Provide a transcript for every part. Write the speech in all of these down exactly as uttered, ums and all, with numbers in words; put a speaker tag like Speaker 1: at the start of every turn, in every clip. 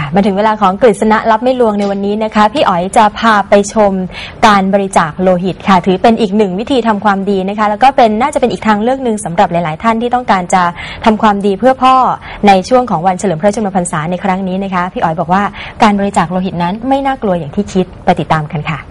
Speaker 1: มาถึงเวลาของกฤษณะรับไม่ลวงในวันนี้นะคะพี่อ๋อยจะพาไปชมการบริจาคโลหิตค่ะถือเป็นอีกหนึ่งวิธีทำความดีนะคะแล้วก็เป็นน่าจะเป็นอีกทางเลือกหนึ่งสำหรับหลายๆท่านที่ต้องการจะทำความดีเพื่อพ่อในช่วงของวันเฉลิมพระชนมพรรษาในครั้งนี้นะคะพี่อ๋อยบอกว่าการบริจาคโลหิตนั้นไม่น่ากลัวอย่างที่คิดไปติดตามกันค่ะ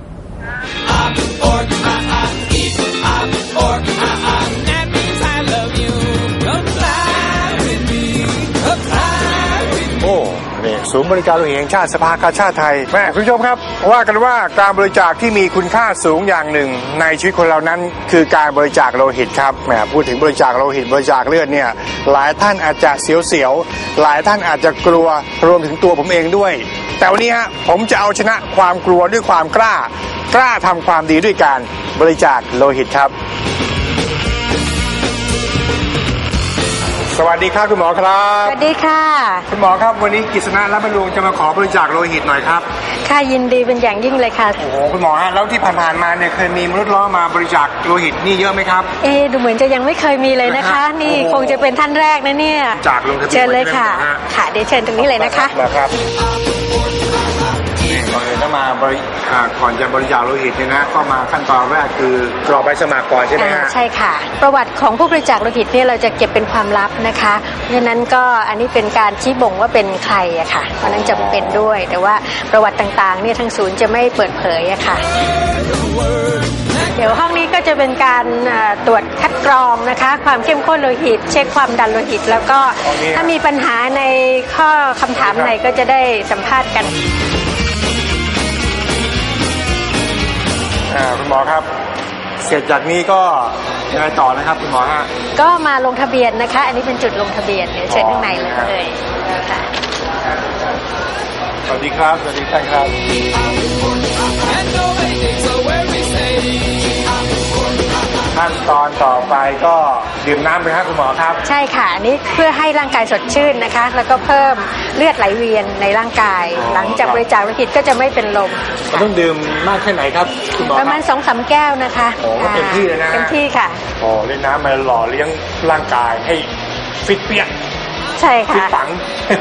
Speaker 2: ศูนย์บริการโลหิตแห่งชาติสภากาชาดไทยแม่คุณผู้ชมครับว่ากันว่าการบริจาคที่มีคุณค่าสูงอย่างหนึ่งในชีวิตคนเรานั้นคือการบริจาคโลหิตครับแหมพูดถึงบริจาคโลหิตบริจาคเลือดเนี่ยหลายท่านอาจจะเสียวๆหลายท่านอาจจะกลัวรวมถึงตัวผมเองด้วยแต่วันนี้ฮะผมจะเอาชนะความกลัวด้วยความกล้ากล้าทำความดีด้วยการบริจาคโลหิตครับสวัสดีครับคุณหมอครับ
Speaker 3: สวัสดีค่ะ
Speaker 2: คุณหมอครับวันนี้กฤษณะรับประลุงจะมาขอบริจาคโลหิตหน่อยครับ
Speaker 3: ค่ะยินดีเป็นอย่างยิ่งเลยค่ะ
Speaker 2: โอ้โหคุณหมอฮะแล้วที่ผ่านๆมาเนี่ยเคยมีมนุษย์ล้อมาบริจาคโลหิตนี่เยอะไหมครับ
Speaker 3: เอ๊ดูเหมือนจะยังไม่เคยมีเลยนะคะนี่คงจะเป็นท่านแรกนะเนี่ย
Speaker 2: จากลงทะเบียน
Speaker 3: เชิญเลยค่ะค่ะเดี๋ยวเชิญตรงนี้เลยนะคะ
Speaker 2: ครับก่อนเลยถ้ามาบริก่อนจะบริจาคโลหิตเนี่ยนะก็มาขั้นตอนแรกคือกรอกใบสมัครก่อนใช่ไหมฮะ
Speaker 3: ใช่ค่ะประวัติของผู้บริจาคโลหิตเนี่ยเราจะเก็บเป็นความลับนะคะเพราะฉะนั้นก็อันนี้เป็นการชี้บ่งว่าเป็นใครอะค่ะเพราะนั้นจำเป็นด้วยแต่ว่าประวัติต่างๆเนี่ยทางศูนย์จะไม่เปิดเผยอะค่ะเดี๋ยวห้องนี้ก็จะเป็นการตรวจคัดกรองนะคะความเข้มข้นโลหิตเช็คความดันโลหิตแล้วก็ถ้ามีปัญหาในข้อคำถามไหนก็จะได้สัมภาษณ์กัน
Speaker 2: คุณหมอครับเสร็จจากนี้ก็ยังไงต่อนะครับคุณหมอฮะ
Speaker 3: ก็มาลงทะเบียนนะคะอันนี้เป็นจุดลงทะเบียนเดี๋ยวเชิญข้างในเลยค่ะ
Speaker 2: สวัสดีครับสวัสดีท่านครับขั้นตอนต่อไปก็ดื่มน้ำไปครับคุณหมอครับ
Speaker 3: ใช่ค่ะอันนี้เพื่อให้ร่างกายสดชื่นนะคะแล้วก็เพิ่มเลือดไหลเวียนในร่างกายหลังจากบริจาคโลหิตก็จะไม่เป็นลม
Speaker 2: ต้องดื่มมากแค่ไหนครับคุณหมอ
Speaker 3: ประมาณสองสามแก้วนะคะ
Speaker 2: โอ้เต็มที่เลยนะ
Speaker 3: เต็มที่ค่ะ
Speaker 2: โอ้เล่นน้ำมาหล่อเลี้ยงร่างกายให้ฟิตเปี้ย
Speaker 3: ใช่ค่ะ
Speaker 2: ฟิตปัง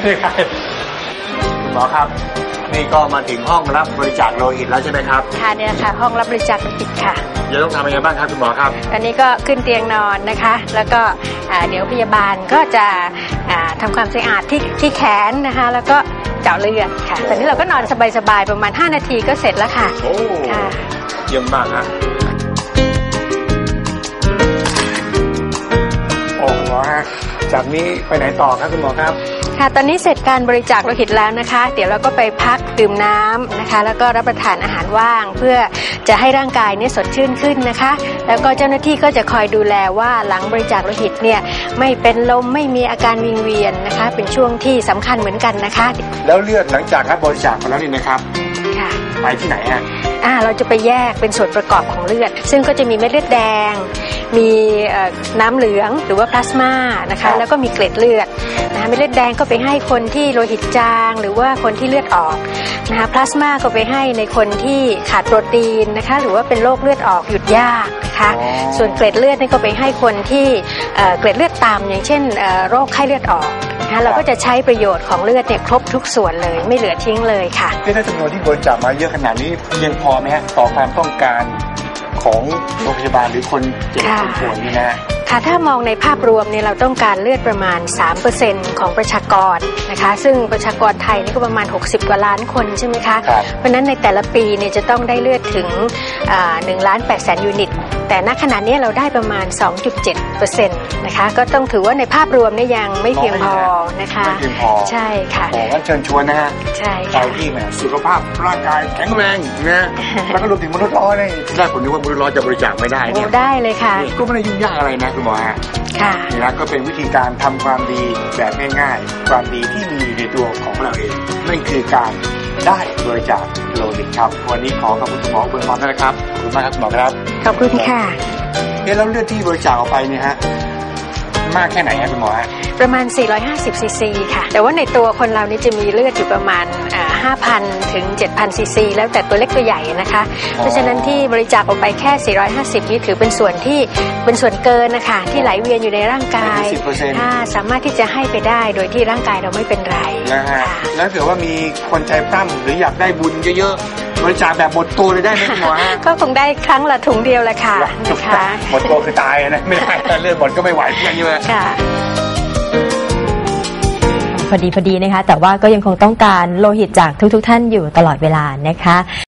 Speaker 2: คุณหมอครับนี่ก็มาถึงห้องรับบริจาคโลหิตแล้วใช่ไหมครับ
Speaker 3: ค่ะเนี่ยค่ะห้องรับบริจาคโลหิตค่ะ
Speaker 2: จะต้องทำยังไงบ้างครับคุณหมอครับ
Speaker 3: ตอนนี้ก็ขึ้นเตียงนอนนะคะแล้วก็เดี๋ยวพยาบาลก็จะทำความสะอาดที่ที่แขนนะคะแล้วก็เจาะเลือดค่ะตอนนี้เราก็นอนสบายๆประมาณห้านาทีก็เสร็จแล้วค่ะ
Speaker 2: โอ้เยี่ยมมากฮะโอ้หมอฮะจากนี้ไปไหนต่อครับคุณหมอครับ
Speaker 3: ค่ะตอนนี้เสร็จการบริจาคโลหิตแล้วนะคะเดี๋ยวเราก็ไปพักดื่มน้ำนะคะแล้วก็รับประทานอาหารว่างเพื่อจะให้ร่างกายเนี่ยสดชื่นขึ้นนะคะแล้วก็เจ้าหน้าที่ก็จะคอยดูแลว่าหลังบริจาคโลหิตเนี่ยไม่เป็นลมไม่มีอาการวิงเวียนนะคะเป็นช่วงที่สำคัญเหมือนกันนะคะ
Speaker 2: แล้วเลือดหลังจากรับบริจาคไปแล้วนี่นะครับ
Speaker 3: ค่ะ
Speaker 2: ไปที่ไหนฮะ
Speaker 3: อ่าเราจะไปแยกเป็นส่วนประกอบของเลือดซึ่งก็จะมีเม็ดเลือดแดงมีน้ำเหลืองหรือว่าพลาสมานะคะแล้วก็มีเกล็ดเลือดนะคะเม็ดเลือดแดงก็ไปให้คนที่โลหิตจางหรือว่าคนที่เลือดออกนะคะพลาสมาก็ไปให้ในคนที่ขาดโปรตีนนะคะหรือว่าเป็นโรคเลือดออกหยุดยากนะคะส่วนเกล็ดเลือดนี่ก็ไปให้คนที่เกล็ดเลือดต่ำอย่างเช่นโรคไข้เลือดออกนะคะเราก็จะใช้ประโยชน์ของเลือดเนี่ยครบทุกส่วนเลยไม่เหลือทิ้งเลยค่ะ
Speaker 2: ถ้าจำนวนที่บริจาคมาเยอะขนาดนี้เพียงพอไหมฮะต่อความต้องการของโรงพยาบาลหรือคนเจ็บคนป่วยนี่นะ
Speaker 3: ค่ะถ้ามองในภาพรวมเนี่ยเราต้องการเลือดประมาณ สามเปอร์เซ็นต์ ของประชากรนะคะซึ่งประชากรไทยนี่ก็ประมาณหกสิบกว่าล้านคนใช่ไหมคะเพราะนั้นในแต่ละปีเนี่ยจะต้องได้เลือดถึงหนึ่งล้านแปดแสนยูนิตแต่ณขณะนี้เราได้ประมาณ สองจุดเจ็ดเปอร์เซ็นต์ นะคะก็ต้องถือว่าในภาพรวมเนี่ยยังไม่เพียงพอนะคะ
Speaker 2: ไม่เพียงพอ
Speaker 3: ใช่ค่ะ
Speaker 2: โอ้งั้นเชิญชวนนะฮะ
Speaker 3: ใช่
Speaker 2: ค่ะที่แหมสุขภาพร่างกายแข็งแรงนะแล้วก็รวมถึงมนุษย์ล้อนี่ที่แรกผมนึกว่ามนุษย์ล้อจะบริจาคไม่ได้เนี่ย
Speaker 3: ได้เลยค่ะ
Speaker 2: ก็ไม่ได้ยุ่งยากอะไรนะคุณหมอฮะ
Speaker 3: ค่ะ
Speaker 2: นี่นะก็เป็นวิธีการทำความดีแบบง่ายๆความดีที่มีในตัวของเราเองนั่นคือการได้บริจาคโลหิตครับวันนี้ขอขอบคุณคุณหมอเบิร์นพร้อมนะครับขอบคุณมากครับคุณหมอครับ
Speaker 3: ขอบคุณค่ะ
Speaker 2: เอ๊ะแล้วเลือดที่บริจาคออกไปเนี่ยฮะมากแค่ไหนครับคุณหมอฮะ
Speaker 3: ประมาณสี่ร้อยห้าสิบซีซีค่ะแต่ว่าในตัวคนเรานี่จะมีเลือดอยู่ประมาณห้าพันถึงเจ็ดพันซีซีแล้วแต่ตัวเล็กตัวใหญ่นะคะเพราะฉะนั้นที่บริจาคออกไปแค่สี่ร้อยห้าสิบนี่ถือเป็นส่วนที่เป็นส่วนเกินนะคะที่ไหลเวียนอยู่ในร่างกายถ้าสามารถที่จะให้ไปได้โดยที่ร่างกายเราไม่เป็นไร
Speaker 2: นะฮะแล้วเกิดว่ามีคนใจปั้มหรืออยากได้บุญเยอะๆบริจาคแบบหมดตัวเลยได้ไหมคุณหมอฮะ
Speaker 3: ก็คงได้ครั้งละถุงเดียวแหละค่ะนะคะ
Speaker 2: หมดตัวคือตายนะไม่ได้เลือดหมดก็ไม่ไหวเพียงนี้เลย
Speaker 3: ค่ะ
Speaker 1: พอดีพอดีนะคะแต่ว่าก็ยังคงต้องการโลหิตจากทุกๆท่านอยู่ตลอดเวลานะคะ